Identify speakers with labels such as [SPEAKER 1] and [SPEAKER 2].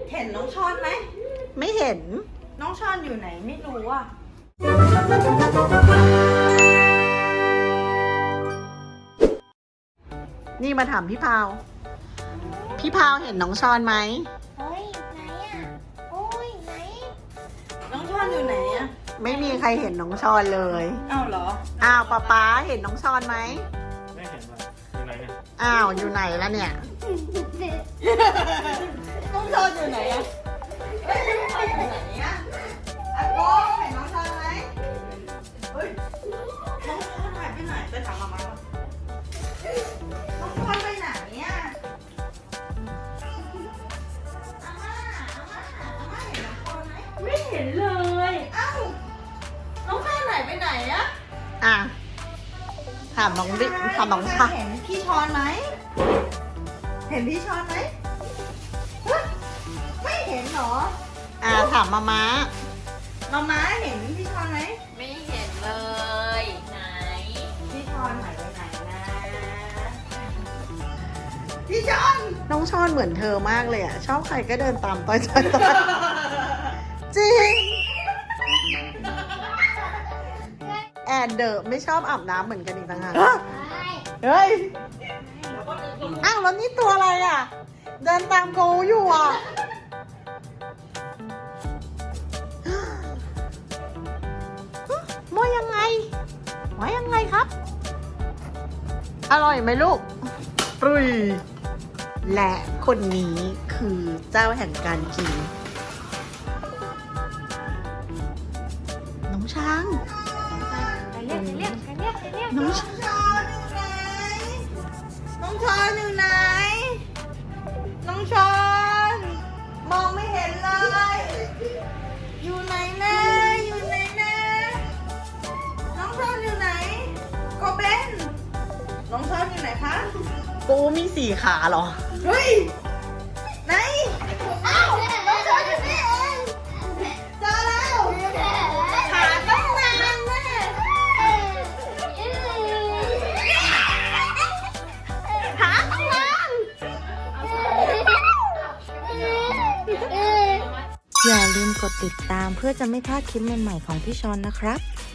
[SPEAKER 1] เห็นน้องชอนไหม
[SPEAKER 2] ไม่เห็น
[SPEAKER 1] น้องชอนอยู่ไหนไม่รู้อ่ะ
[SPEAKER 2] นี่มาถามพี่พาว พี่พาวเห็นน้องชอนไหม
[SPEAKER 3] เฮ้ยไหนอ่ะโอ้ยไหน
[SPEAKER 1] น้องชอนอยู่ไหนอ่ะ
[SPEAKER 2] ไม่มีใครเห็นน้องชอนเลย
[SPEAKER 1] อ้าวเหรอ
[SPEAKER 2] อ้าวป๊าเห็นน้องชอนไหม
[SPEAKER 4] ไม่เห็นเลยอยู่ไหนเนี่ย
[SPEAKER 2] อ้าวอยู่ไหนแล้วเนี่ย
[SPEAKER 1] น้องชอนอยู่ไหนอ่ะเฮ้ยน้องชอนอยู่ไหนอ่ะอาโก้เห็นน้องชอนไหมเฮ้ยน้องชอนหายไปไหนไปถามมาม่าก่อนน้องชอนไปไหนเนี่ยอาม่าเห็นน้องชอนไหม
[SPEAKER 5] ไม่เห็นเลย
[SPEAKER 1] เอ้าน้องชอนหายไปไหนอะ
[SPEAKER 2] อ่ะ ถามน้องดิถามน้องชา
[SPEAKER 1] เห็นพี่ชอนไหมเห็นพี่ชอนไหมเฮ้ยไม่เห็นเหรอ
[SPEAKER 2] อ่ะถามมาม้า
[SPEAKER 1] มาม่าเห็นพี่ชอนไหม
[SPEAKER 5] ไม่เห็นเลย ไหน
[SPEAKER 1] พี่ชอนหายไปไหนนะพี่ชอน
[SPEAKER 2] น้องชอนเหมือนเธอมากเลยอ่ะ ชอบใครก็เดินตามต้อยจริง แอนเดอร์ไม่ชอบอาบน้ำเหมือนกันอีกต่างหาก เฮ้ย อ้าวแล้วนี่ตัวอะไรอ่ะ เดินตามโกอยู่อ่ะ ว่ายังไงว่ายังไงครับ อร่อยไหมลูกปรุยและคนนี้คือเจ้าแห่งการกิน น้องช้าง
[SPEAKER 3] เรียกเรียกเรียกเรียก
[SPEAKER 2] น้อง
[SPEAKER 1] น้อง
[SPEAKER 2] ช้าง
[SPEAKER 1] ชอนอยู่ไหนน้องชอนอยู่ไหนน้องชอนมองไม่เห็นเลย อยู่ไหนนะอยู่ไหนนะน้องชอนอยู่ไหนโกเบนน้องชอนอยู่ไหนคะ
[SPEAKER 2] ปูมีสี่ขาเหรอ
[SPEAKER 1] เฮ้ยไหนอ้าวน้องชอนอยู่นี่เองเจอแล้วหาตั้งนานแน่หาตั้งนาน
[SPEAKER 6] อย่าลืมกดติดตามเพื่อจะไม่พลาดคลิปใหม่ๆของพี่ชอนนะครับ